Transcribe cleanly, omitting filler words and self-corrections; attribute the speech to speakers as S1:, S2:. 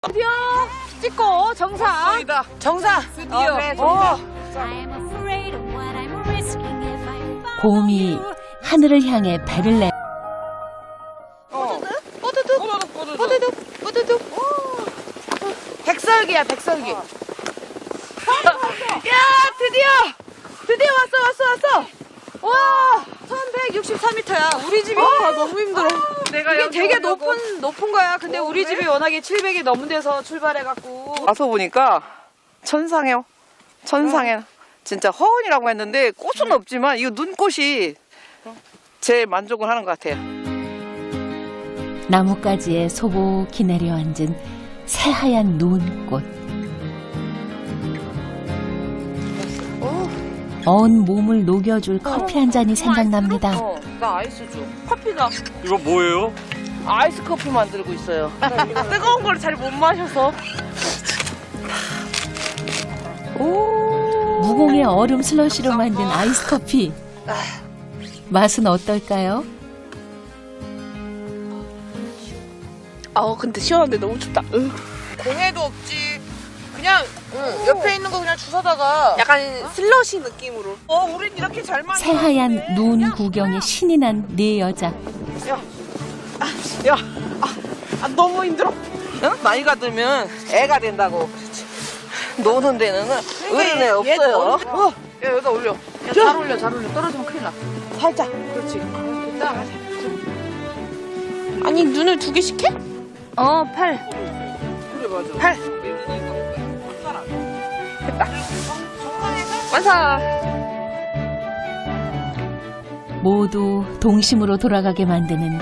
S1: 드디어 찍고 정상. 정상.
S2: 드디어.
S1: 그래,
S3: 곰이 하늘을 향해 배를 내
S1: 뽀드득. 백설기야, 백설기. 야, 드디어 왔어. 와, 1163m야. 우리 집이
S2: 너무 힘들어.
S1: 내가 이게 되게 높은 거야. 근데 우리 집이 워낙에 700이 넘은 데서 출발해갖고.
S2: 와서 보니까 천상해요. 진짜 허운이라고 했는데 꽃은 없지만 이 눈꽃이 제일 만족을 하는 것 같아요.
S3: 나뭇가지에 소복히 내려앉은 새하얀 눈꽃. 온 몸을 녹여줄 커피 한 잔이 생각납니다.
S2: 나 아이스 줘. 커피가
S4: 이거 뭐예요?
S2: 아이스 커피 만들고 있어요. 뜨거운 걸 잘 못 마셔서.
S3: 무공의 얼음 슬러시로 만든 아이스 커피. 맛은 어떨까요?
S2: 근데 시원한데 너무 춥다.
S5: 공해도 없지. 그냥 옆에 있는 거 그냥 주워다가
S2: 약간 슬러시 느낌으로. 우린 이렇게 잘 마셔.
S3: 새하얀 눈 구경에 신이 난 네 여자.
S2: 너무 힘들어. 나이가 들면 애가 된다고. 노는 데는 어린애 없어요.
S5: 야 여기다 올려.
S1: 야, 잘 올려. 떨어지면 큰일 나.
S2: 살짝.
S5: 그렇지.
S1: 됐다.
S2: 아니 눈을 두 개씩 해?
S1: 8.
S5: 그래 맞아.
S2: 8. 됐다. 완성.
S3: 모두 동심으로 돌아가게 만드는